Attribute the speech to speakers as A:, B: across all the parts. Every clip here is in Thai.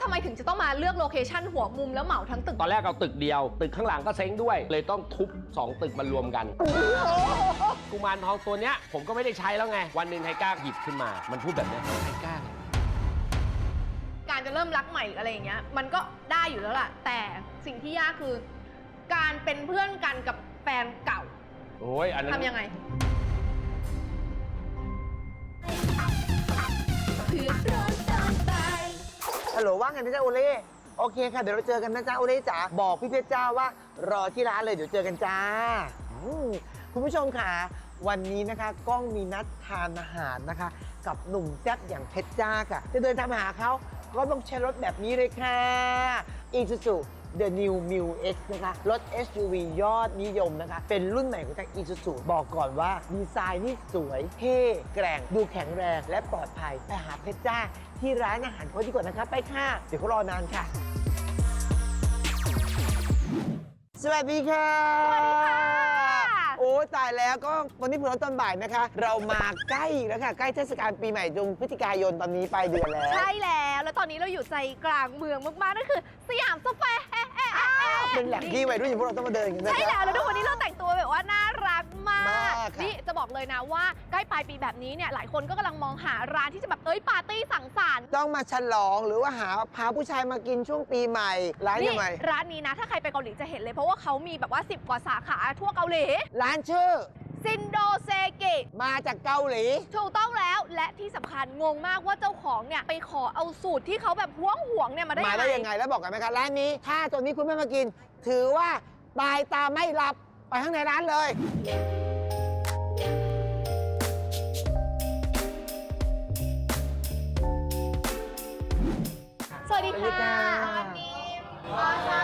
A: ทำไมถึงจะต้องมาเลือกโลเคชั่นหัวมุมแล้วเหมาทั้งตึก
B: ตอนแรกเอาตึกเดียวตึกข้างหลังก็เซ้งด้วยเลยต้องทุบ2ตึกมารวมกันกุมารทองตัวเนี้ยผมก็ไม่ได้ใช้แล้วไงวันหนึ่งไทก้าหยิบขึ้นมามันพูดแบบนี้ไทก้า
A: การจะเริ่มรักใหม่อะไรอย่างเงี้ยมันก็ได้อยู่แล้วล่ะแต่สิ่งที่ยากคือการเป็นเพื่อนกันกับแฟนเก่า
B: โอ้ยอันนั้น
A: ทำยังไง
C: ฮัลโหลว่าไงนะจ๊ะโอเล่โอเคค่ะเดี๋ยวเราเจอกันนะจ๊ะโอเล่จ๋าบอกพี่เพชรจ้าว่ารอที่ร้านเลยเดี๋ยวเจอกันจ้าคุณผู้ชมค่ะวันนี้นะคะก้องมีนัดทานอาหารนะคะกับหนุ่มแซ่บอย่างเพชรจ้าค่ะจะเดินทางมาหาเขาก็ต้องใช้รถแบบนี้เลยค่ะ Isuzu The New Mu X นะคะรถ SUV ยอดนิยมนะคะเป็นรุ่นใหม่ของทาง Isuzu บอกก่อนว่าดีไซน์นี่สวยเท่แกร่งดูแข็งแรงและปลอดภัยไปหาเพชรจ้าที่ร้านอาหารเขาดีกว่านะคะไปค่ะเดี๋ยวเขารอนานค่ะสวัสดีค่ะ
A: สวัสดีค่ะ
C: โอ้ตายแล้วก็วันนี้เพิ่งตอนบ่ายนะคะเรามาใกล้แล้วค่ะใกล้เทศกาลปีใหม่จงพฤศจิกายนตอนนี้ปลายเดือนแล้ว
A: ใช่แล้วตอนนี้เราอยู่ใจกลางเมืองมากๆนั่นคือสยามสแควร์
C: เป็นแหล่งที่วัยรุ่นอย่างพวกเราต้องมาเดินกันนะ
A: ใช่แล้วทุกวันนี้เราแต่งตัวแบบว่าน่ารักมาก
C: ค่ะ
A: นี่จะบอกเลยนะว่าใกล้ปลายปีแบบนี้เนี่ยหลายคนก็กำลังมองหาร้านที่จะแบบปาร์ตี้สังสรรค์
C: ต้องมาฉลองหรือว่าพาผู้ชายมากินช่วงปีใหม่ร้านยังไง
A: ร้านนี้นะถ้าใครไปเกาหลีจะเห็นเลยเพราะว่าเขามีแบบว่า10 กว่าสาขาทั่วเกาหลี
C: ร้านชื่อ
A: ซินโดเซกิ
C: มาจากเกาหลี
A: ถูกต้องแล้วและที่สำคัญงงมากว่าเจ้าของเนี่ยไปขอเอาสูตรที่เขาแบบห่วงเนี่ยมาได้
C: ยังไงแล้วบอกกันไหมคะร้านนี้ถ้าตัวนี้คุณไม่มากินถือว่าตายตาไม่หลับไปข้างในร้านเลย
A: สวัสดีค่ะวันนี้โอ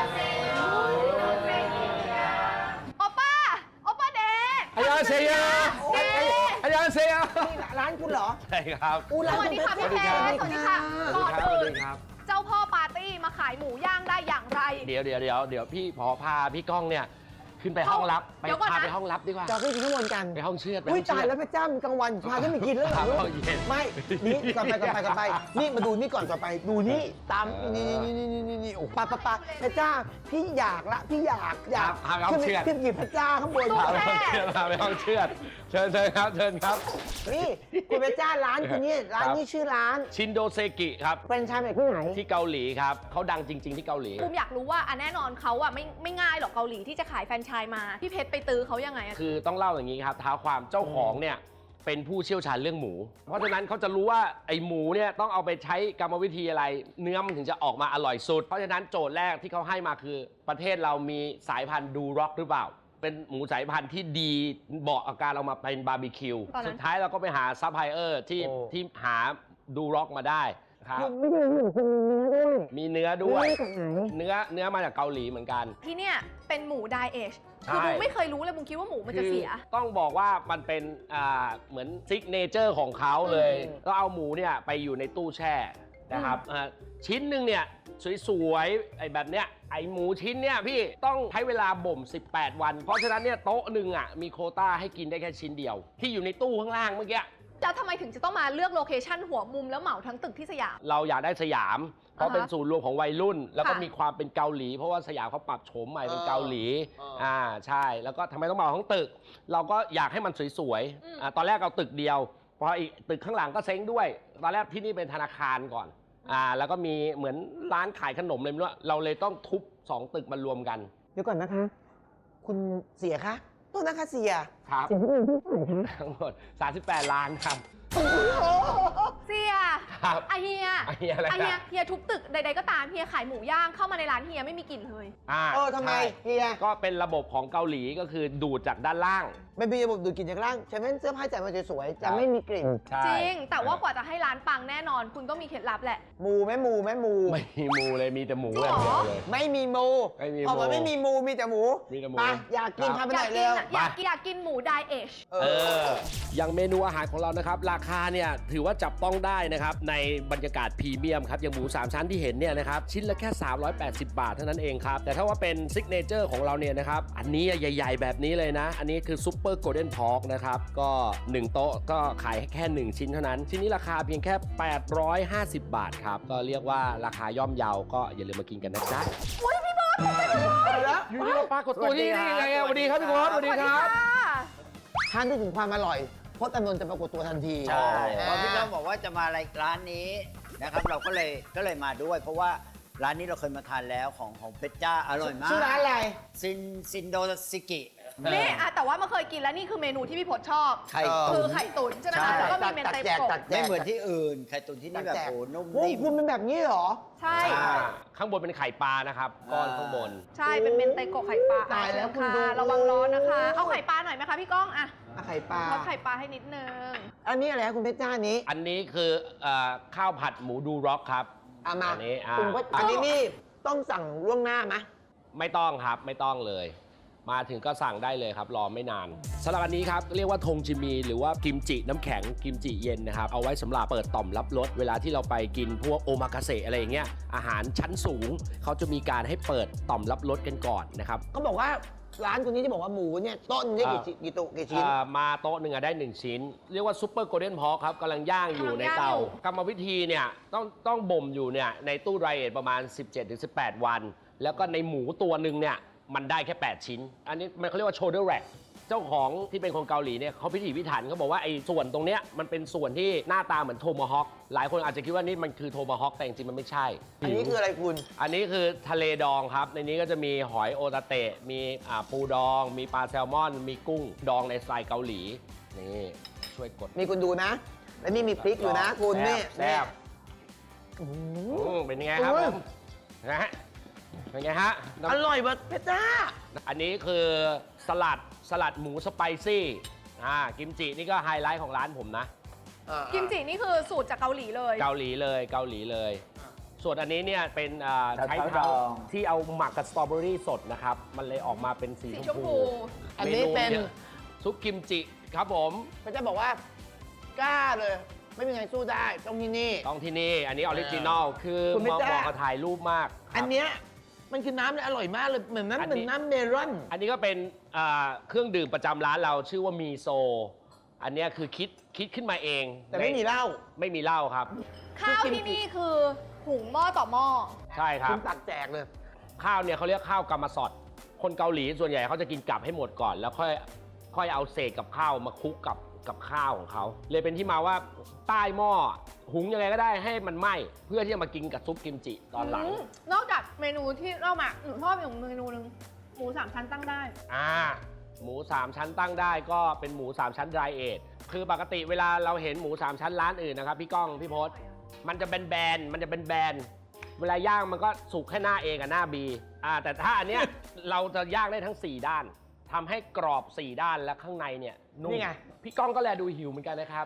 A: ป้าเดย์
B: อันยองเซียอันยองเซีย
C: นี่ร้านคุณเหรอ
B: ใช่ครับ
A: สวัสดีค่ะพี่เพชรสวัสดีค่ะก่อนอื่น
B: ครับ
A: เจ้าพ่อปาร์ตี้มาขายหมูย่างได้อย่างไร
B: เดี๋ยวพี่พอพาพี่ก้องเนี่ยขึ้นไปห้องลับไปพาไปห้องลับดีกว่า
C: จะขึ้นข้างบนกัน
B: ไปห้องเชือด
C: อุ้ยตายแล้วพระเจ้ากลางวันพาขึ้นไปกินแล้วเหรอไม่นี่ก่อนไปนี่มาดูนี่ก่อนไปดูนี่ตามนี่โอ้ป้าพระเจ้าพี่อยากขึ้นกินพระเจ้าข้างบน
B: พาไปห้องเชือดเชิญครับ
C: นี่คุณพระเจ้าร้านคุณนี่ร้านนี้ชื่อร้าน
B: ชินโดเซกิครับ
C: เป็นชายแบบที่ไหน
B: ที่เกาหลีครับเขาดังจริงๆที่เกาหลี
A: ผมอยากรู้ว่าแน่นอนเขาไม่ง่ายหรอกเกาหลีที่จะขายแฟรนไชส์มาพี่เพชรไปตื้อเขายังไง
B: คือต้องเล่าอย่างนี้ครับท้าความเจ้าของเนี่ยเป็นผู้เชี่ยวชาญเรื่องหมูเพราะฉะนั้นเขาจะรู้ว่าไอหมูเนี่ยต้องเอาไปใช้กรรมวิธีอะไรเนื้อมันถึงจะออกมาอร่อยสุดเพราะฉะนั้นโจทย์แรกที่เขาให้มาคือประเทศเรามีสายพันธุ์ดูร็อกหรือเปล่าเป็นหมูสายพันธุ์ที่ดีเหมาะกับการเอามาเป็นบาร์บีคิวสุดท้ายเราก็ไปหาซัพพลายเออร์ที่หาดูร็อกมาได้ครับมีเนื้อด้วยเนื้อมาจากเกาหลีเหมือนกัน
A: ที่เนี่ยเป็นหมูไดเอชคือบุ้งไม่เคยรู้เลยบุ้งคิดว่าหมูมันจะเสีย
B: ต้องบอกว่ามันเป็นเหมือนซิกเนเจอร์ของเขาเลยก็เอาหมูเนี่ยไปอยู่ในตู้แช่นะครับชิ้นหนึ่งเนี่ยสวยๆไอ้แบบเนี้ยไอ้หมูชิ้นเนี่ยพี่ต้องใช้เวลาบ่ม18 วันเพราะฉะนั้นเนี่ยโต๊ะหนึ่งมีโควต้าให้กินได้แค่ชิ้นเดียวที่อยู่ในตู้ข้างล่างเมื่อกี้
A: แล้วทำไมถึงจะต้องมาเลือกโลเคชั่นหัวมุมแล้วเหมาทั้งตึกที่สยาม
B: เราอยากได้สยามเพราะเป็นศูนย์รวมของวัยรุ่นแล้วก็มีความเป็นเกาหลีเพราะว่าสยามเขาปรับโฉมใหม่เป็นเกาหลีใช่แล้วก็ทำไมต้องเหมาทั้งตึกเราก็อยากให้มันสวยๆตอนแรกเอาตึกเดียวพออีกตึกข้างหลังก็เซ้งด้วยตอนแรกที่นี่เป็นธนาคารก่อนแล้วก็มีเหมือนร้านขายขนมเลยไม่รู้เราเลยต้องทุบ2ตึกมารวมกัน
C: เดี๋ยวก่อนนะคะคุณเสียคะโทษนะคะเสีย
B: ครับ
C: เสียที่อื่นที่ไหนคะ
B: ทั้งหมด38 ล้านครับ
A: เสียเฮียทุบตึกใดๆก็ตามเฮียขายหมูย่างเข้ามาในร้านเฮียไม่มีกลิ่นเลย
C: ทำไมเฮีย
B: ก็เป็นระบบของเกาหลีก็คือดูดจากด้านล่าง
C: ไม่มีระบบดูดกลิ่นจากล่างใช่ไหมเสื้อผ้าจัดมาสวยๆจะไม่มีกลิ่น
A: จริงแต่ว่ากว่าจะให้ร้านปังแน่นอนคุณต้องมีเคล็ดลับแหละ
C: มูไม่มี
B: มูเลยมีแต่หมูอย่างเดียวเลย
C: ไม่มีมูออกมาไม่มีมูมีแต่หมูไปอยากกินทำไปหน่อยเร็ว
A: อยากกินหมูไดเอช
B: อย่างเมนูอาหารของเรานะครับราคาเนี่ยถือว่าจับต้องได้นะครับในบรรยากาศพรีเมียมครับอย่างหมู3 ชั้นที่เห็นเนี่ยนะครับชิ้นละแค่380 บาทเท่านั้นเองครับแต่ถ้าว่าเป็นซิกเนเจอร์ของเราเนี่ยนะครับอันนี้ใหญ่ๆแบบนี้เลยนะอันนี้คือซุป Super Golden Pork นะครับ ก็ 1 โต๊ะก็ขายแค่ 1 ชิ้นเท่านั้น ชิ้นนี้ราคาเพียงแค่ 850 บาทครับ ก็เรียกว่าราคาย่อมเยาก็อย่าลืมมากินกันนะจ๊ะ
C: แล้ว
B: อยู่ดีมาปรากฏตัวที่นี่ยังไงอะสวัสดีครับพี่พศสวัสดีครับ
C: ท่านที่ถึงความอร่อยพจน์อานนท์จะปรากฏตัวทันที
D: ใช่
C: อ่า
D: พอพี่น้องบอกว่าจะมาร้านนี้นะครับเราก็เลยมาด้วย เพราะว่าร้านนี้เราเคยมาทานแล้วของเพชรจ้าอร่อยมาก
C: ชื่อร้านอะไร
D: ซินโดซิกิ
A: นี่อะแต่ว่าเมื่อเคยกินแล้วนี่คือเมนูที่พี่พศชอบ
D: ไข่
A: คื
D: ตุ๋
A: อน ไข่ตุ๋นใช่ไหม
D: ใช่
A: คะแล้วก็มีเมน
C: ตัด
A: เต
C: แจก
A: โกะ
C: ตัดแจ
D: ไม่
C: ก
D: เหมือนที่อื่น ไข่ตุ๋นที่นี่แบบ
C: ตัดแจก
D: โอ้นุ่ม
C: โอ้
D: นิ่ม
C: คุณเป็นแบบนี้เหรอ
A: ใช่
B: ข้างบนเป็นไข่ปลานะครับ ก้อนข้างบน
A: ใช่เป็นเมนเตโกะไข่ปลา
C: ตายแล้วคุณดู
A: ะระวังร้อนนะคะ เอาไข่ปลาหน่อยไหมคะพี่ก้องอะ
C: ไข่ปลา
A: เอาไข่ปลาให้นิดนึง
C: อันนี้อะไรครับคุณเพชรจ้านี้
B: อันนี้คือข้าวผัดหมูดูร็อกครับ
C: เอามา
B: อันนี้
C: คุณเพชรอันนี้นี่ต้องสั่งล่วงหน้าไหม
B: ไม่ต้องครับไม่ต้องเลย มาถึงก็สั่งได้เลยครับรอไม่นานสำหรับอันนี้ครับเรียกว่าทงจิมีหรือว่ากิมจิน้ำแข็งกิมจิเย็นนะครับเอาไว้สำหรับเปิดต่อมรับรสเวลาที่เราไปกินพวกโอมากาเสะอะไรอย่างเงี้ยอาหารชั้นสูงเขาจะมีการให้เปิดต่อมรับรสกันก่อนนะครับ
C: เขาบอกว่าร้านคนนี้ที่บอกว่าหมูเนี่ยต้นได้กี่ตัวกี่ชิ้น
B: มาโต๊ะหนึ่งได้ 1 ชิ้น เรียกว่าซุปเปอร์โกลเด้นพอครับกำลังย่างอยู่ในเตากรรมวิธีเนี่ยต้องบ่มอยู่เนี่ยในตู้ไรเอทประมาณ 17-18 วัน แล้วก็ในหมูตัวหนึ่งเนี่ยมันได้แค่ 8 ชิ้น อันนี้มันเขาเรียกว่า shoulder rack เจ้าของที่เป็นคนเกาหลีเนี่ยเขาพิถีพิถันเขาบอกว่าไอ้ส่วนตรงเนี้ยมันเป็นส่วนที่หน้าตาเหมือนโทมาฮอคหลายคนอาจจะคิดว่านี่มันคือโทมาฮอคแต่จริงๆมันไม่ใช่
C: อันนี้คืออะไรคุณ
B: อันนี้คือทะเลดองครับ ในนี้ก็จะมีหอยโอตาเตะ มีปูดอง มีปลาแซลมอน มีกุ้งดองในสไตล์เกาหลี นี่ช่วยกด
C: มีคุณดูนะ และนี่มีพริกอยู่นะคุณนี่
B: แซ่บ
C: อืม
B: เป็นยังไงครับผมนะฮะเป็นไงฮะ
C: อร่อยว่ะเพชรจ้า
B: อันนี้คือสลัดหมูสไปซี่กิมจินี่ก็ไฮไลท์ของร้านผมนะ
A: กิมจินี่คือสูตรจากเกาหลีเลย
B: เกาหลีเลย ส่วนอันนี้เนี่ยเป็นใช้
D: เท้า
B: เท้า
D: ดอง
B: ที่เอาหมักกับสตรอเบอรี่สดนะครับ มันเลยออกมาเป็นสี
A: สี
B: ช
A: ช
B: ม
A: ม
B: พู
A: พู
C: อันนี้เป็น
B: มยอะซุปกิมจิครับผม
C: เพชรจ้าบอกว่ากล้าเลย ไม่มีใครสู้ได้ต้องที่นี่
B: ต้องที่นี่ อันนี้ออริจินอล คือ
C: คุณ
B: เห
C: ไม่
B: มาะ
C: กล้า
B: กับถ่ายรูปมากครับ
C: อันเนี้ยมันคือน้ำเลยอร่อยมากเลยเหมือน
B: อันนี้
C: น้ำเหมือนน้ำเมลอน
B: อันนี้ก็เป็นเครื่องดื่มประจำร้านเราชื่อว่ามีโซ อันเนี้ยคือคิดขึ้นมาเอง
C: แต่ไม่มีเหล้า
B: ไม่มีเหล้าครับ
A: ข้าวที่นี่คือหุงหม้อต่อหม้อ
B: ใช่ครั
C: คุ
B: บ
C: ณตักแจกเลย
B: ข้าวเนี่ยเขาเรียกข้าวกำมะสอด คนเกาหลีส่วนใหญ่เขาจะกินกลับให้หมดก่อน แล้วค่อยเอาเศษกับข้าวมาคลุกกับข้าวของเขา เลยเป็นที่มาว่าใต้หม้อหุงยังไงก็ได้ให้มันไหม้เพื่อที่จะมากินกับซุปกิมจิตอนหลัง
A: นอกจากเมนูที่เล่ามาหนูชอบอีกเมนูหนึงหมู3 ชั้นตั้งได้
B: หมู 3 ชั้นตั้งได้ก็เป็นหมู 3 ชั้น dry age คือปกติเวลาเราเห็นหมู 3 ชั้นร้านอื่นนะครับพี่ก้องพี่พศมันจะแบนๆมันจะแบนๆเวลาย่างมันก็สุกแค่หน้า A กับหน้า B แต่ถ้าอันเนี้ย เราจะย่างได้ทั้ง 4 ด้านทำให้กรอบ 4 ด้านและข้างในเนี่ยนุ่ม
C: นี่ไง
B: พี่ก้องก็แลดูหิวเหมือนกันนะครับ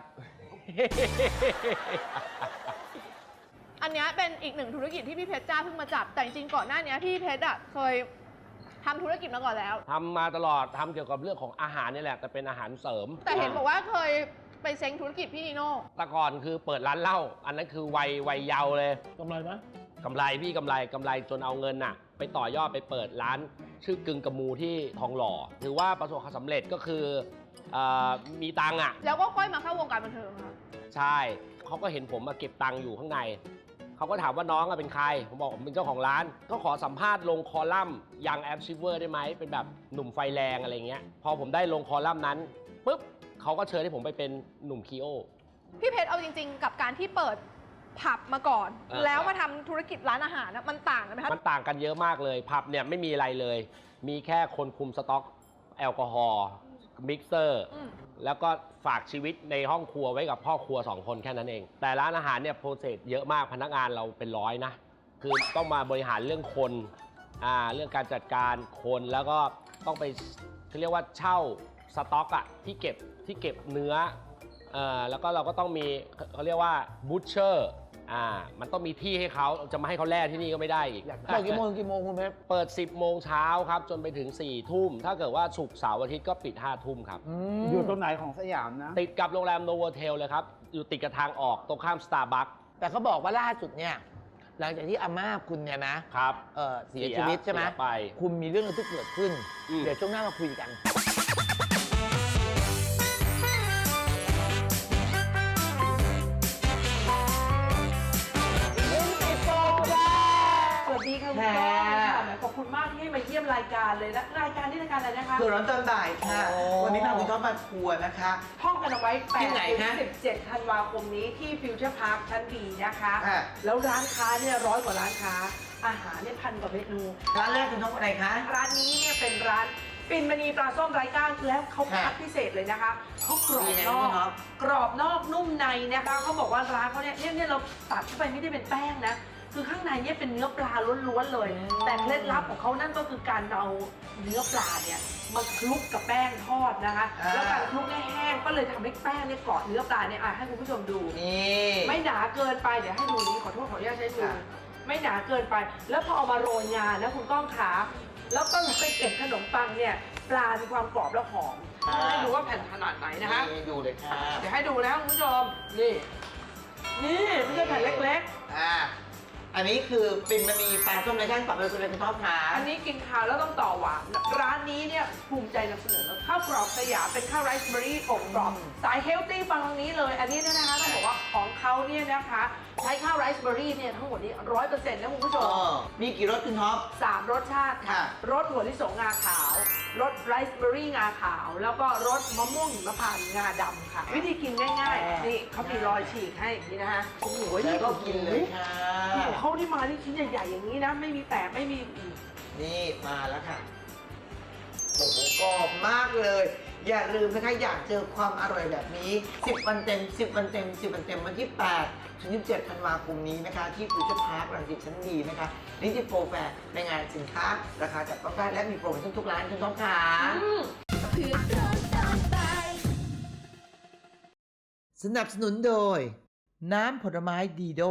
A: อันเนี้ยเป็นอีกหนึ่งธุรกิจที่พี่เพชรจ้าเพิ่งมาจับ แต่จริงๆก่อนหน้านี้พี่เพชรเคยทำธุรกิจมาก่อนแล้ว
B: ทำมาตลอดทำเกี่ยวกับเรื่องของอาหารนี่แหละแต่เป็นอาหารเสริม
A: แต่เห็นบอกว่าเคยไปเซ้งธุรกิจพี่นีโน่
B: แต่ก่อนคือเปิดร้านเหล้าอันนั้นคือวัยเยาว์เลย
C: กำไรไหม
B: กำไรพี่กำไรจนเอาเงินน่ะไปต่อยอดไปเปิดร้านชื่อกึ่งกระมูที่ทองหล่อถือว่าประสบความสำเร็จก็คือมีตังค์อ่ะ
A: แล้วก็ค่อยมาเข้าวงการบันเทิงค่ะ
B: ใช่เขาก็เห็นผมมาเก็บตังค์อยู่ข้างในเขาก็ถามว่าน้องเป็นใครผมบอกผมเป็นเจ้าของร้านก็ขอสัมภาษณ์ลงคอลัมน์ยังแอปชิเวอร์ได้ไหมเป็นแบบหนุ่มไฟแรงอะไรเงี้ยพอผมได้ลงคอลัมน์นั้นปุ๊บเขาก็เชิญให้ผมไปเป็นหนุ่มคีโอ
A: พี่เพชรเอาจริงๆ กับการที่เปิดผับมาก่อน แล้วมาทำธุรกิจร้านอาหารนะมันต่างกันไหมคะ
B: มันต่างกันเยอะมากเลยผับเนี่ยไม่มีอะไรเลย มีแค่คนคุมสต็อกแอลกอฮอล์มิกเซอร์แล้วก็ฝากชีวิตในห้องครัวไว้กับพ่อครัว2 คนแค่นั้นเอง แต่ร้านอาหารเนี่ยโปรเซสเยอะมากพนักงานเราเป็นร้อยนะ คือต้องมาบริหารเรื่องคนเรื่องการจัดการคนแล้วก็ต้องไปเขาเรียกว่าเช่าสต็อกอะที่เก็บเนื้อแล้วก็เราก็ต้องมีเขาเรียกว่าบูชเชอร์มันต้องมีที่ให้เขาจะมาให้เขาแล่ที่นี่ก็ไม่ได้อีก
C: เปิดกี่โมงคุณเพชร
B: เปิด 10 โมงเช้าครับ จนไปถึง 4 ทุ่ม ถ้าเกิดว่าศุกร์เสาร์อาทิตย์ก็ปิด 5 ทุ่มครับ
D: อยู่ตรงไหนของสยามนะ
B: ติดกับโรงแรมโนโวเทลเลยครับ อยู่ติดกับทางออกตรงข้ามสตาร์บัค
C: แต่เขาบอกว่าล่าสุดเนี่ยหลังจากที่อาม่าคุณเนี่ยนะครับ เสียชีวิตใช่ไหม
B: เสียไป
C: คุณมีเรื่องอะไรที่เกิดขึ้น
B: อืม
C: เดี๋ยวช่วงหน้ามาคุยกันค่ะ
E: ขอบคุณมากที่ให้มาเยี่ยมรายการเลยนะรายการนี้รายการอะไรนะคะ
C: เผื่อร้อนตอนบ่ายค่ะ
E: โอ้
C: วันนี้พาคุณท็อปมาทัวร์นะคะ
E: ท่องกันเอาไว้
C: ที่ไหนฮะ
E: 8-17 ธันวาคมนี้ที่ฟิวเจอร์พาร์คชั้นดีนะคะ
C: ค่ะ
E: แล้วร้านค้าเนี่ย100 กว่าร้านค้า อาหารเนี่ย1,000 กว่าเมนู
C: ร้านแรกคุณท็อปอะไรคะ
E: ร้านนี้เนี่ยเป็นร้านปิ่นมณีปลาส้มไร้ก้างแล้วเขา
C: ค่ะ
E: คัดพิเศษเลยนะคะเขากรอบ
C: ยังไง
E: นอก
C: คุณท็อป
E: กรอบนอกนุ่มในนะคะเขาบอกว่าร้านเขาเนี่ยเราตัดเข้าไปไม่ได้เป็นแป้งนะคือข้างในเนี่ยเป็นเนื้อปลาล้วนๆเลย แต่เคล็ดลับของเขานั่นก็คือการเอาเนื้อปลาเนี่ยมาคลุกกับแป้งทอดนะคะ แล้วการคลุกให้แห้งก็เลยทำให้แป้งเนี่ยเกาะเนื้อปลาเนี่ยให้คุณผู้ชมดู
C: นี่
E: ไม่หนาเกินไปเดี๋ยวให้ดูนี้ขอโทษขออนุญาตใช้มือ
C: ค่ะ
E: ไม่หนาเกินไป แล้วพอเอามาโรยงานนะคุณก้องขาแล้วก็ไปเก็บขนมปังเนี่ยปลามีความกรอบและหอมให้ดูว่าแผ่นขนาดไหนนะคะ
C: นี่ดูเลยค่ะ
E: เดี๋ยวให้ดูนะคุณผู้ชมนี่ไม่ใช่แผ่นเล็ก
C: อ่าอันนี้คือปิ่นมณีปลาส้มไร้ก้างปรับเลยคุณท็อปค่ะ
E: ๆ อันนี้กินข้าวแล้วต้องต่อหวานร้านนี้เนี่ยภูมิใจนำเสนอข้าวกรอบสยามเป็นข้าวไรซ์เบอร์รี่อบกรอบสายเฮลตี้ฟังตรงนี้เลย อันนี้เนี่ยนะคะต้องบอกว่าของเขาเนี่ยนะคะใช้ข้าวไรซ์เบอร์รี่เนี่ยทั้งหมดนี้100%นะคุณผู้ชม
C: มีกี่รสคุณท็อป
E: 3 รสชาติค่ะ
C: ค่ะ
E: รสถั่วลิสงงาขาว รสไรซ์เบอร์รี่งาขาว แล้วก็รสมะม่วงหิมพานต์งาดำค่ะ วิธีกินง่ายๆ นี่เขามีรอยฉีกให้อย่างนี้นะคะโอ้โห
C: แล้วก็กินเลยค่ะ
E: โอ้โหเขาที่มาที่ชิ้นใหญ่ๆอย่างนี้นะ ไม่มีแตกไม่มี
C: นี่มาแล้วค่ะ โอ้โหกรอบมากเลย อย่าลืมนะคะอยากเจอความอร่อยแบบนี้ 10 วันเต็ม 10 วันเต็ม 10 วันเต็มวันที่ 8 ถึง 27 ธันวาคมนี้นะคะ ที่ฟิวเจอร์พาร์ครังสิตชั้นดีนะคะนี่ที่โปรแฟร์ในงานสินค้า ราคาจับต้องได้และมีโปรโมชั่นทุกร้านคุณต้องค่ะ สนับสนุนโดย น้ำผลไม้ดีโด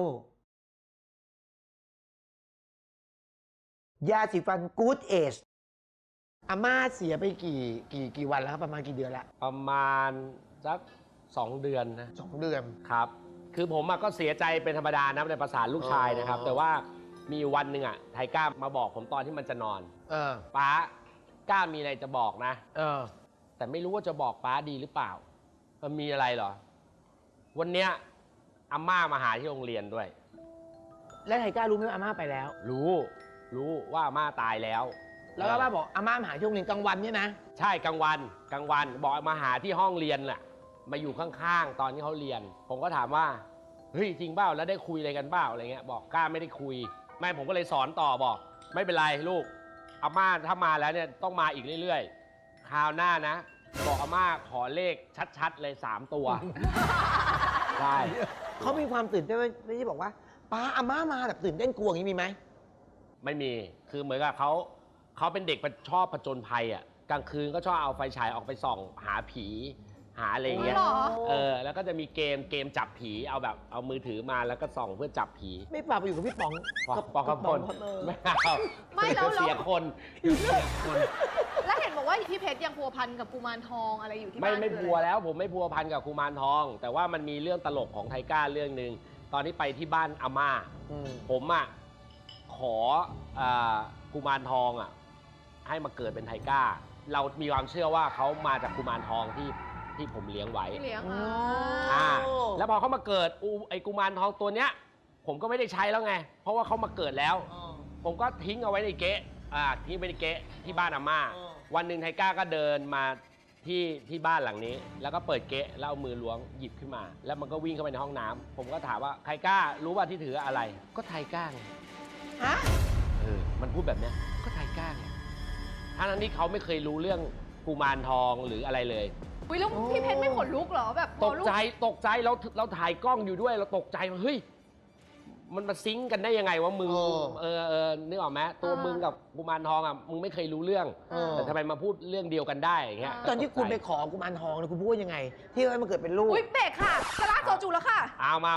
C: ยาสีฟันกู๊ดเอชอาม่าเสียไปกี่วันแล้วครับประมาณกี่เดือนละ
B: ประมาณสัก2 เดือนนะ
C: 2 เดือน
B: ครับ คือผมก็เสียใจเป็นธรรมดานะในภาษาลูกชายนะครับ
C: อ๋อ
B: แต่ว่ามีวันหนึ่งไทก้ามาบอกผมตอนที่มันจะนอน
C: เออ
B: ป้าก้ามีอะไรจะบอกนะ
C: เออ
B: แต่ไม่รู้ว่าจะบอกป้าดีหรือเปล่ามันมีอะไรเหรอ วันเนี้ยอาม่ามาหาที่โรงเรียนด้วย
C: แล้วไทก้ารู้ไหมว่าอาม่าไปแล้ว
B: รู้ว่าอาม่าตายแล้ว
C: แล้วอาม่าบอกอาม่ามาหาที่โรงเรียนกลางวันเนี่ยนะ
B: ใช่กลางวันบอกมาหาที่ห้องเรียนแหละมาอยู่ข้างๆตอนที่เขาเรียน ผมก็ถามว่าเฮ้ยจริงเปล่าแล้วได้คุยอะไรกันเปล่าอะไรเงี้ยบอกกล้าไม่ได้คุยแม่ผมก็เลยสอนต่อบอก ไม่เป็นไรลูกอาม่าถ้ามาแล้วเนี่ยต้องมาอีกเรื่อยๆคราวหน้านะ บอกอาม่าขอเลขชัดๆเลย3 ตัว ได้
C: เขามีความตื่นเต้นไหมไม่ใช่บอกว่าป้าอาม่ามาแบบตื่นเต้นกลัวอย่างนี้มีไหม
B: ไม่มีคือเหมือนกับเขาเป็นเด็กชอบผจญภัยอ่ะกลางคืนก็ชอบเอาไฟฉายออกไปส่องหาผีหาอะไรอย่างเงี้ย
A: อ๋อเหรอ
B: แล้วก็จะมีเกมจับผีเอามือถือมาแล้วก็ส่องเพื่อจับผี
C: ไม่ฝากไปอยู่กับพี่ป๋อง
B: ปองกระพล
C: เออ
B: ไม่เอา
A: ไม่แล้ว
B: เสียคนเสียคน
A: แล้วเห็นบอกว่าพี่เพชรยังพัวพันกับกุมารทองอะไรอยู่ที่บ้าน
B: ไม่
A: คือ
B: พัว
A: อะไร
B: แล้วผมไม่พัวพันกับกุมารทอง แต่ว่ามันมีเรื่องตลกของไทก้าเรื่องหนึ่งตอนที่ไปที่บ้านอาม่า
C: อืม
B: ผมขอกุมารทองให้มาเกิดเป็นไทก้า เรามีความเชื่อว่าเขามาจากกุมารทองที่ผมเลี้ยงไว้
A: ที่เลี้ยง
B: แล้วพอเขามาเกิดไอ้กุมารทองตัวเนี้ย ผมก็ไม่ได้ใช้แล้วไง เพราะว่าเขามาเกิดแล้ว ผมก็ทิ้งเอาไว้ในเก๊ะทิ้งไว้ในเก๊ะที่บ้านอาม่า วันหนึ่งไทก้าก็เดินมาที่บ้านหลังนี้ แล้วก็เปิดเก๊ะแล้วเอามือล้วงหยิบขึ้นมา แล้วมันก็วิ่งเข้าไปในห้องน้ำผมก็ถามว่าไทก้ารู้ว่าที่ถืออะไร ก็ไทก้าไง
C: ฮะ
B: มันพูดแบบเนี้ยก็ไทก้าไงทั้งที่เขาไม่เคยรู้เรื่องกุมารทองหรืออะไรเลย
A: อุ๊ยแล้วพี่เพชรไม่ขนลุกเหรอแบบพ
B: ต
A: อก ลูก
B: ใจเราถ่ายกล้องอยู่ด้วยเราตกใจว่าเฮ้ยมันมาซิงก์กันได้ยังไงวะมึงนึกออกไหมตัวมึงกับกุมารทองมึงไม่เคยรู้เรื่อง แต่ทำไมมาพูดเรื่องเดียวกันได้อย่างเงี้ย
C: ตอนที่คุณไปขอกุมารทองเนี่ยคุณพูดยังไง ที่ให้มันเกิดเป็นลูก
A: อุ๊ยเบรกค่ะจะลากโซจูแล้วค่ะ
B: เอามา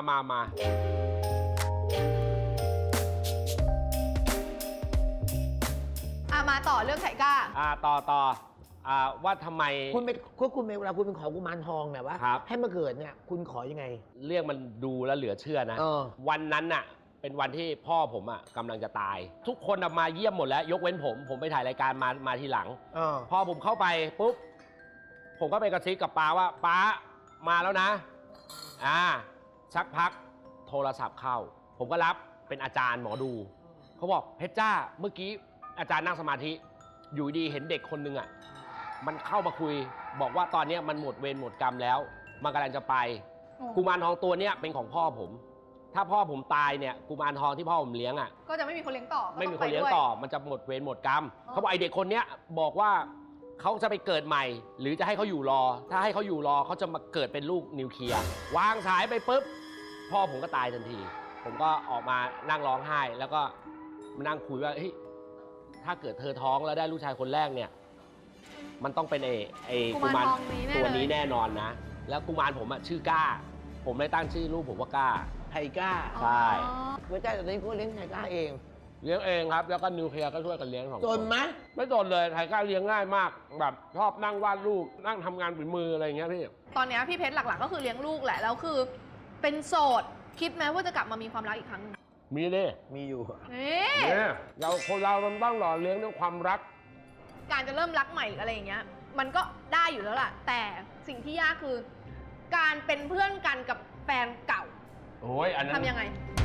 A: มาต่อเรื่องไทก้า
B: ต่อว่าทำไม
C: คุณเวลาคุณไปขอกุมารทองเนี่ยว่า
B: ครับ
C: ให้มาเกิดเนี่ยคุณขอยังไง
B: เรื่องมันดูแล้วเหลือเชื่อนะ วันนั้นเป็นวันที่พ่อผมกำลังจะตาย ทุกคนมาเยี่ยมหมดแล้ว ยกเว้นผมไปถ่ายรายการมาทีหลัง พอผมเข้าไปปุ๊บผมก็ไปกระซิบกับป้าว่าป้ามาแล้วนะสักพักโทรศัพท์เข้า ผมก็รับเป็นอาจารย์หมอดูเขาบอกเพชรจ้าเมื่อกี้อาจารย์นั่งสมาธิอยู่ดีเห็นเด็กคนนึงอ่ะมันเข้ามาคุยบอกว่าตอนนี้มันหมดเวรหมดกรรมแล้วมันกำลังจะไปกุมารทองตัวเนี้ยเป็นของพ่อผมถ้าพ่อผมตายเนี่ยกุมารทองที่พ่อผมเลี้ยงอ่ะ
A: ก็จะไม่มีคนเลี้ยงต่อ
B: ไม่มีคนเลี้ยงต่อมันจะหมดเวรหมดกรรมเขาบอกไอเด็กคนเนี้ยบอกว่าเขาจะไปเกิดใหม่หรือจะให้เขาอยู่รอถ้าให้เขาอยู่รอเขาจะมาเกิดเป็นลูกนิวเคลียร์วางสายไปปุ๊บพ่อผมก็ตายทันทีผมก็ออกมานั่งร้องไห้แล้วก็มานั่งคุยว่าเฮ้ยถ้าเกิดเธอท้องแล้วได้ลูกชายคนแรกเนี่ยมันต้องเป็นไอ้กุมารตัวนี้แน่นอนนะแล้วกุมารผมอะชื่อก้าผมเลยตั้งชื่อลูกผมว่าก้า
C: ไทก้า
B: ใช่
C: พระเจ้าตอนนี้ก็เลี้ยงไทก้าเอง
B: เลี้ยงเองครับแล้วก็นิวเคลียร์ก็ช่วยกันเลี้ยงสองคน
C: จนไหม
B: ไม่จนเลยไทก้าเลี้ยงง่ายมากแบบชอบนั่งวาดรูปนั่งทำงานฝีมืออะไรอย่างเงี้ยพี่
A: ตอนเนี้ยพี่เพชรหลักๆก็คือเลี้ยงลูกแหละแล้วคือเป็นโสดคิดไหมว่าจะกลับมามีความรักอีกครั้งหนึ่ง
B: มีดิ
C: มีอยู่
A: นี่
B: เนี่ยเราคนเรามันต้องหล่อเลี้ยงด้วยความรัก
A: การจะเริ่มรักใหม่หรืออะไรอย่างเงี้ยมันก็ได้อยู่แล้วล่ะแต่สิ่งที่ยากคือ การเป็นเพื่อนกันกับแฟนเก่า
B: โอ้ยอันนั้น
A: ทำยังไง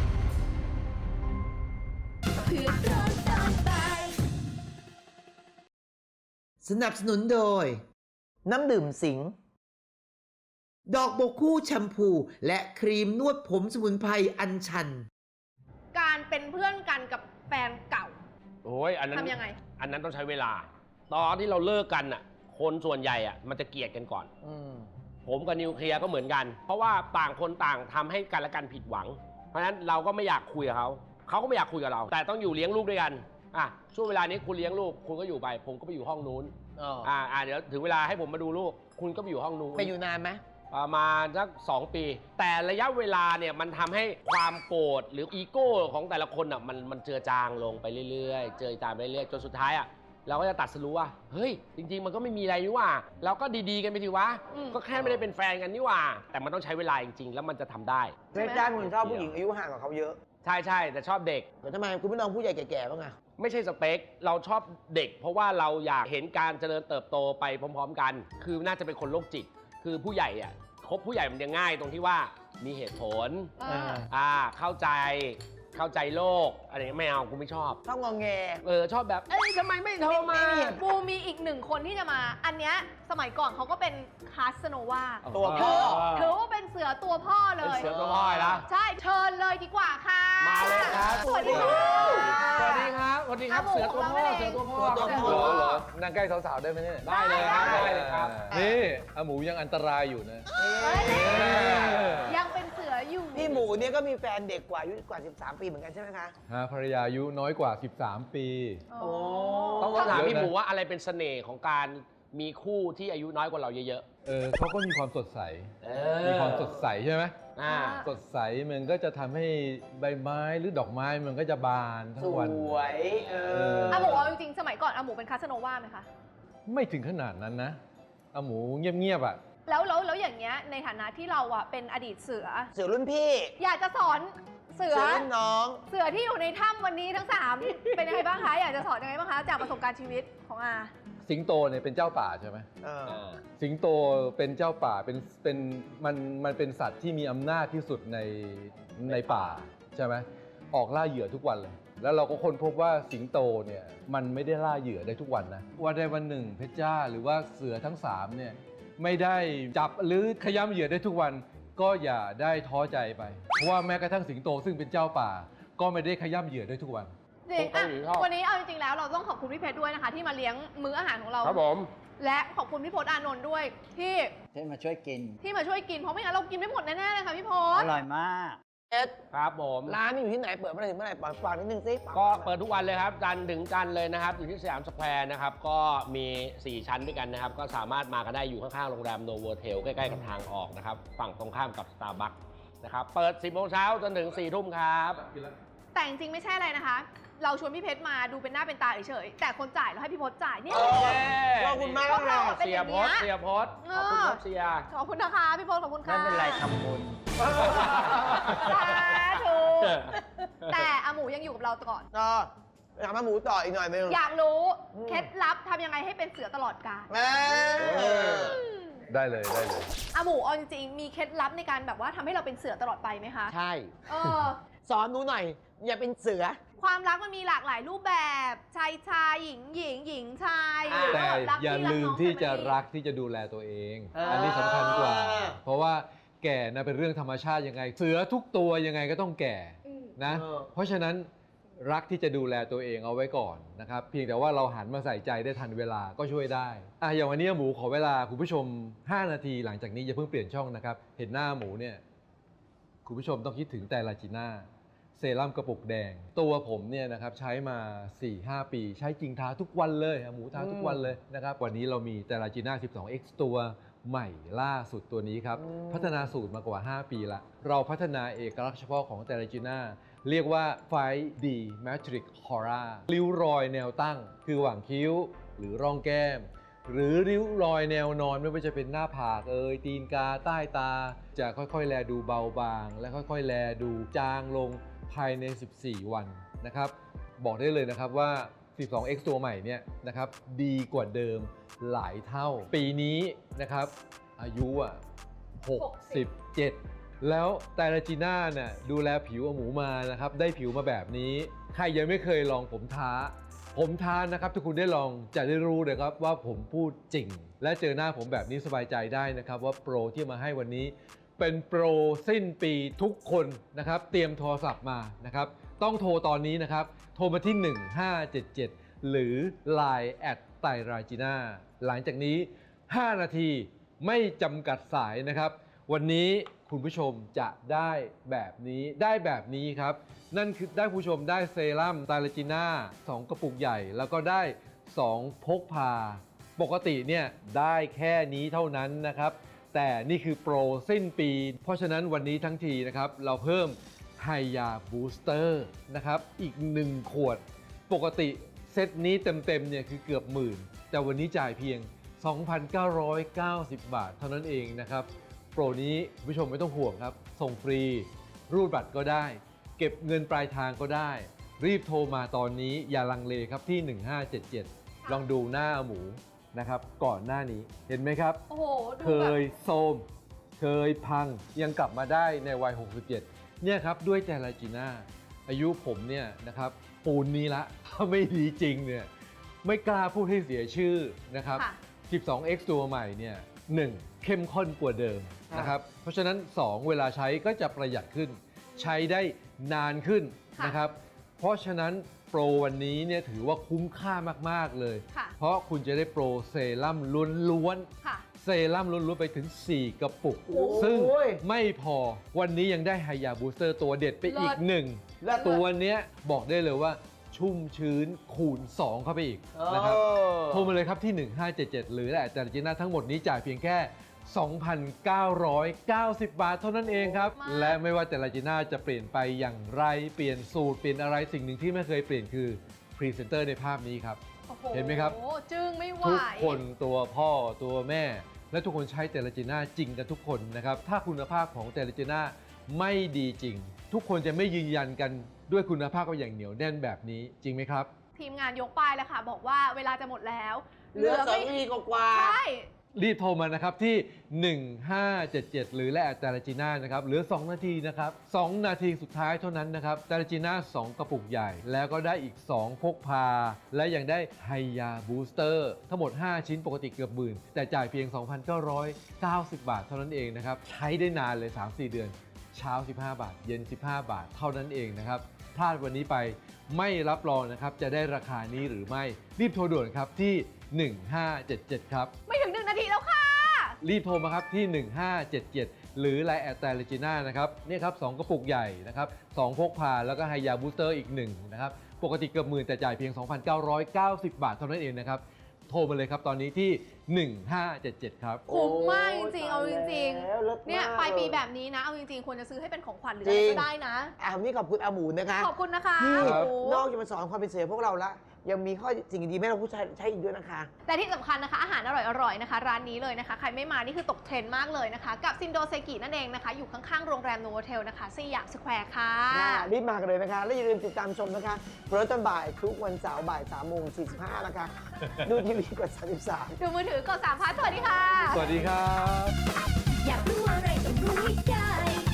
C: สนับสนุนโดย น้ำดื่มสิงห์ดอกบกคู่แชมพู และครีมนวดผมสมุนไพรอัญชัน
A: การเป็นเพื่อนกันกับแฟนเก่า
B: โอ้ยอันนั้น
A: ทำยังไง
B: อันนั้นต้องใช้เวลา ตอนที่เราเลิกกันอ่ะคนส่วนใหญ่อ่ะมันจะเกลียดกันก่อน ผมกับนิวเคลียร์ก็เหมือนกัน เพราะว่าต่างคนต่างทำให้กันและกันผิดหวัง เพราะฉะนั้นเราก็ไม่อยากคุยกับเขาเขาก็ไม่อยากคุยกับเรา แต่ต้องอยู่เลี้ยงลูกด้วยกันอ่ะช่วงเวลานี้คุณเลี้ยงลูกคุณก็อยู่ไป ผมก็ไปอยู่ห้องนู้นเดี๋ยวถึงเวลาให้ผมมาดูลูก คุณก็ไปอยู่ห้องนู้น
C: ไปอยู่นานไหม
B: ประมาณสัก2 ปี แต่ระยะเวลาเนี่ยมันทำให้ความโกรธหรืออีโก้ของแต่ละคนอ่ะมันเจือจางลงไปเรื่อยๆ เจือจางไปเรื่อยๆจนสุดท้ายอ่ะเราก็จะตัดสรู้ว่าเฮ้ยจริงๆมันก็ไม่มีอะไรนี่หว่าเราก็ดีๆกันไปทีวะก็แค่ไม่ได้เป็นแฟนกันนี่หว่าแต่มันต้องใช้เวลาจริงๆแล้วมันจะทำได้
C: เพชรจ้าคนชอบผู้หญิงอายุห่างกว่าเขาเยอะ
B: ใช่แต่ชอบเด็ก
C: แต่ทำไมคุณไม่ลองผู้ใหญ่แก่ๆบ้างอะ
B: ไม่ใช่สเปคเราชอบเด็ก เพราะว่าเราอยากเห็นการเจริญเติบโตไปพร้อมๆกัน คือน่าจะเป็นคนโรคจิตคือผู้ใหญ่อ่ะคบผู้ใหญ่มันจะง่ายตรงที่ว่ามีเหตุผลเข้าใจโลกอะไรอย่างเงี้ยไม่เอากูไม่ชอบ
C: ชอบงอแง
B: ชอบแบบเอ้ยทำไมไม่โทรมา
A: บูมีอีกหนึ่งคนที่จะมา อันเนี้ยสมัยก่อนเขาก็เป็นคาสโนวา
C: ตัวพ่อ
A: ถือว่าเป็นเสือตัวพ่อเล
B: เป็น
A: ย
B: เสือตัวพ่อนะ
A: ใช่เชิญเลยดีกว่าค่ะ
B: มาเลยครับ
A: สวัสดีค่ะ
B: สวัสดีครับสวัสดีครับ
A: อาหมู
B: เสือตัวพ่อ
A: ของเรา
B: เสือตัวพ่อ
C: ตัวพ่
F: เหรอนั่งใกล้สาวๆได้ไหมเนี่ย
B: ได้เลยครับได้เลยครับ
F: นี่อาหมูยังอันตรายอยู่นะ
A: ยังเป็นเสืออยู่
C: พี่หมูเนี่ยก็มีแฟนเด็กกว่าอายุกว่า 13 ปีเหมือนกันใช่ไหมคะ
F: ภรรยาอายุน้อยกว่า 13 ปี
A: โอ้
B: ต้องถามพี่หมูว่าอะไรเป็นเสน่ห์ของการมีคู่ที่อายุน้อยกว่าเราเยอะ
F: เขาก็มีความสดใส
B: ๆ
F: มีความสดใสใช่ไหม
B: ๆ
F: สดใสมันก็จะทำให้ใบไม้หรือดอกไม้มันก็จะบานทั้
C: ส
F: งวัน
C: วย
A: อาหมูเอาจริงๆ สมัยก่อนอาหมูเป็นคาสโนวาไหมคะ
F: ไม่ถึงขนาดนั้นนะอาหมูเงียบๆอ่ะ
A: แล้วอย่างเงี้ยในฐานะที่เราอะเป็นอดีตเสือ
C: เสือรุ่นพี่
A: อยากจะสอนเสือ
C: รุ่นน้อง
A: เสือที่อยู่ในถ้ำวันนี้ทั้ง 3 เป็นยังไงบ้างคะ อยากจะสอนยังไงบ้างคะ จากประสบการณ์ชีวิตของอา
F: สิงโตเนี่ยเป็นเจ้าป่าใช่ไหม สิงโตเป็นเจ้าป่ามันเป็นสัตว์ที่มีอำนาจที่สุดในป่าใช่ไหมออกล่าเหยื่อทุกวันเลย แล้วเราก็ค้นพบว่าสิงโตเนี่ยมันไม่ได้ล่าเหยื่อได้ทุกวันนะวันใดวันหนึ่งเพชรจ้าหรือว่าเสือทั้ง3เนี่ยไม่ได้จับหรือขย้ำเหยื่อได้ทุกวันก็อย่าได้ท้อใจไปเพราะว่าแม้กระทั่งสิงโตซึ่งเป็นเจ้าป่าก็ไม่ได้ขย้ำเหยื่อได้ทุกวัน
A: จริงอ่ะวันนี้เอาจริงๆแล้วเราต้องขอบคุณพี่เพชรด้วยนะคะ ที่มาเลี้ยงมื้ออาหารของเรา
B: ครับผม
A: และขอบคุณพี่พจน์อานนท์ด้วยที่
D: ที่มาช่วยกิน
A: มาช่วยกินเพราะไม่งั้นเรากินไม่หมดแน่ๆเลยค่ะพี่พ
D: อ
A: จน์
D: ร่อยมาก
C: เอ็ด
B: ครับผม
C: ร้านนี่อยู่ที่ไหนเปิดเมื่อไหร่ถึงเมื่อไหร่ฝากนิดนึงสิ
B: ก็เปิดทุกวันเลยครับจันทร์ถึงจันทร์เลยนะครับ อยู่ที่สยามสแควร์นะครับ ก็มี 4 ชั้นด้วยกันนะครับ ก็สามารถมากันได้อยู่ข้างๆโรงแรมโนโวเทลใกล้ๆกับทางออกนะครับ ฝั่งตรงข้ามกับ Starbucks นะครับ เปิด 10 โมงเช้าจนถึง 4 ทุ่มครับ
A: แต่จริงๆไม่ใช่อะไรนะคะ เราชวนพี่เพชรมาดูเป็นหน้าเป็นตาเฉยๆแต่คนจ่ายเราให้พี่พจน์จ่ายเนี่ย
C: ขอบคุณมาก
A: พวกเรา
C: เลย
A: เป็น
B: เสี
A: อย ย่าง
B: พ
A: เงี้
B: ศ
A: ย
B: เสียพศขอบคุณครับเสีย
A: ขอบคุณนะคะพี่พจน์ขอบคุณค่ะ
D: ไม่เป็นไรทำบุญ
A: สาธุแต่อาหมูยังอยู่กับเราก่อน
C: ก็ถามมาหมูต่ออีกหน่อยนึง
A: อยากรู้เคล็ดลับทำยังไงให้เป็นเสือตลอดกาล
F: ได้เลย
A: อาหมูเอาจริงๆมีเคล็ดลับในการแบบว่าทำให้เราเป็นเสือตลอดไปไหมคะ
C: ใช่
A: เออ
C: สอนหนูหน่อยอย่าเป็นเสือ
A: ความรักมันมีหลากหลายรูปแบบชายชายหญิงหญิงหญิงชาย
C: อ่า
A: หรือ
F: แต่
A: ว่ารัก
F: อย่า
A: พี่รัก
F: ลืม
A: น้อง
F: ที่จะ
A: family
F: รักที่จะดูแลตัวเอง
C: อ่า
F: อันนี้สำคัญกว่า เพราะว่าแก่นะเป็นเรื่องธรรมชาติยังไง เสือทุกตัวยังไงก็ต้องแก่นะ เพราะฉะนั้นรักที่จะดูแลตัวเองเอาไว้ก่อนนะครับ เพียงแต่ว่าเราหันมาใส่ใจได้ทันเวลาก็ช่วยได้อย่างวันนี้หมูขอเวลาคุณผู้ชม 5 นาทีหลังจากนี้อย่าเพิ่งเปลี่ยนช่องนะครับ เห็นหน้าหมูเนี่ยคุณผู้ชมต้องคิดถึงแต่ลาจิน่าเซรั่มกระปุกแดง ตัวผมเนี่ยนะครับใช้มา 4-5 ปี ใช้จริงทาทุกวันเลยหมูทาทุกวันเลยนะครับวันนี้เรามีแต่ลาจิน่า 12X ตัวใหม่ล่าสุดตัวนี้ครับ พัฒนาสูตรมากว่า 5 ปีละเราพัฒนาเอกลักษณ์เฉพาะของแต่ลาจิน่าเรียกว่า 5D Matrix Aura ริ้วรอยแนวตั้งคือหว่างคิ้วหรือร่องแก้ม หรือริ้วรอยแนวนอนไม่ว่าจะเป็นหน้าผากตีนกาใต้ตา จะค่อยๆ แลดูเบาบาง และค่อยๆ แลดูจางลงภายใน 14 วันนะครับบอกได้เลยนะครับว่า 12X ตัวใหม่เนี่ยนะครับดีกว่าเดิมหลายเท่า ปีนี้นะครับอายุ67 แล้วแต่ลาจิน่าเนี่ยดูแลผิวหมูมานะครับได้ผิวมาแบบนี้ใครยังไม่เคยลองผมท้านะครับถ้าคุณได้ลองจะได้รู้เลยครับว่าผมพูดจริง และเจอหน้าผมแบบนี้สบายใจได้นะครับว่าโปรที่มาให้วันนี้เป็นโปรสิ้นปีทุกคนนะครับเตรียมโทรศัพท์มานะครับต้องโทรตอนนี้นะครับโทรมาที่ 1577 หรือ Line แอดไตรราจิน่าหลังจากนี้ 5 นาทีไม่จำกัดสายนะครับวันนี้คุณผู้ชมจะได้แบบนี้ครับนั่นคือได้ผู้ชมได้เซรั่มไตรราจิน่า2กระปุกใหญ่แล้วก็ได้2พกพาปกติเนี่ยได้แค่นี้เท่านั้นนะครับแต่นี่คือโปรสิ้นปีเพราะฉะนั้นวันนี้ทั้งทีนะครับเราเพิ่มไฮยาบูสเตอร์นะครับอีก1ขวดปกติเซตนี้เต็มๆเนี่ยคือเกือบหมื่นแต่วันนี้จ่ายเพียง 2,990 บาทเท่านั้นเองนะครับโปรนี้คุณผู้ชมไม่ต้องห่วงครับส่งฟรีรูดบัตรก็ได้เก็บเงินปลายทางก็ได้รีบโทรมาตอนนี้อย่าลังเลครับที่ 1577 ลองดูหน้าหมูนะครับก่อนหน้านี้เห็นไหมครับ
A: โอ้โหดู
F: เค
A: แบบ
F: ยโทรมเคยพังยังกลับมาได้ในวัย 67 เนี่ยครับด้วยแต่ลาจิน่าอายุผมเนี่ยนะครับปูนนี้ละถ้าไม่ดีจริงเนี่ยไม่กล้าพูดให้เสียชื่อนะครับ
A: ค่ะ
F: 12X ตัวใหม่เนี่ย1เข้มข้นกว่าเดิมนะครับเพราะฉะนั้น 2 เวลาใช้ก็จะประหยัดขึ้น ใช้ได้นานขึ้นนะครับเพราะฉะนั้นโปรวันนี้เนี่ยถือว่าคุ้มค่ามากๆเลย
A: ค่ะ
F: เพราะคุณจะได้โปรเซรั่มล้วน
A: ค่ะ
F: ๆเซรั่มล้วนๆไปถึง 4 กระปุก
C: โอ้ย
F: ซึ่งไม่พอวันนี้ยังได้ไฮยาบูสเตอร์ตัวเด็ดไปอีก
A: เลิศ
F: 1และตัวเนี้ยบอกได้เลยว่าชุ่มชื้นคูณ 2 เข้าไปอีกนะครับโทรมาเลยครับที่ 1577 หรือแต่ลาจิน่าทั้งหมดนี้จ่ายเพียงแค่ 2,990 บาทเท่านั้นเองครับ และไม่ว่าแต่ลาจิน่าจะเปลี่ยนไปอย่างไรเปลี่ยนสูตรเปลี่ยนอะไรสิ่งหนึ่งที่ไม่เคยเปลี่ยนคือพรีเซนเตอร์ในภาพนี้ครับ
A: โอ้โ
F: เห็นไหมครับ
A: โอ้จึงไม่ไหว
F: ทุกคนตัวพ่อตัวแม่ และทุกคนใช้แต่ลาจิน่าจริงกันทุกคนนะครับถ้าคุณภาพของแต่ลาจิน่าไม่ดีจริง ทุกคนจะไม่ยืนยันกันด้วยคุณภาพก็อย่างเหนียวแน่นแบบนี้จริงไหมครับ
A: ทีมงานยกป้ายแล้วค่ะ บอกว่าเวลาจะหมดแล้ว
C: เหลือ
A: ไม่
C: 2 นาทีกว่า
A: ใช่
F: รีบโทรมานะครับที่ 1577 หรือและแต่ลาจิน่านะครับเหลือ 2 นาทีนะครับ 2 นาทีสุดท้ายเท่านั้นนะครับแต่ลาจิน่า2 กระปุกใหญ่ แล้วก็ได้อีก 2 พกพา และยังได้ไฮยาบูสเตอร์ทั้งหมด 5 ชิ้นปกติเกือบหมื่นแต่จ่ายเพียง 2,990 บาทเท่านั้นเองนะครับใช้ได้นานเลย 3-4 เดือน เช้า 15 บาท เย็น 15 บาท เท่านั้นเองนะครับพลาดวันนี้ไปไม่รับรองนะครับจะได้ราคานี้หรือไม่รีบโทรด่วนครับที่ 1577 ครับ
A: ไม่ถึง 1 นาทีแล้วค่ะ
F: รีบโทรมาครับที่ 1577 หรือ Line แอดแต่ลาจิน่านะครับเนี่ยครับ2กระปุกใหญ่นะครับ2พกพาแล้วก็ไฮยาบูสเตอร์อีก1นะครับปกติเกือบหมื่นแต่จ่ายเพียง 2,990 บาทเท่านั้นเองนะครับโทรมาเลยครับตอนนี้ที่ 1577 ครับ
A: คุ้มมากจริงๆ เอาจริง
C: แล้วเลิศ
A: ๆ เนี่ย
C: มาก
A: ปลายปี
C: เลย
A: แบบนี้นะ เอาจริงๆ ควรจะซื้อให้เป็นของขวัญหรือ
C: จริ
A: อะไร
C: ง
A: ก็ได้นะ
C: วันนี้ขอบคุณอาหมูนะคะ
A: ขอบคุณนะคะ
C: ที่
A: โอ้โห
C: นอกจากมาสอนความเป็นเสือพวกเราละยังมีข้อสิ่งดีๆให้เราผู้ชายใช้อีกด้วยนะคะ
A: แต่ที่สำคัญนะคะ อาหารอร่อยๆ นะคะ ร้านนี้เลยนะคะ ใครไม่มา นี่คือตกเทรนด์มากเลยนะคะ กับซินโดเซกินั่นเองนะคะ อยู่ข้างๆ โรงแรมโนโวเทลนะคะสยามสแควร์ค่ะ
C: รีบมากันเลยนะคะ และอย่าลืมติดตามชมนะคะโปรตอนบ่ายทุกวันเสาร์บ่าย3:45นะคะ ดูทีวีกด33
A: ดูมือถือกด3 พาร์ทสวัสดีค่ะ
F: สวัสดีครับ
G: อยากรู้อะไรต้องรู้ให้ได้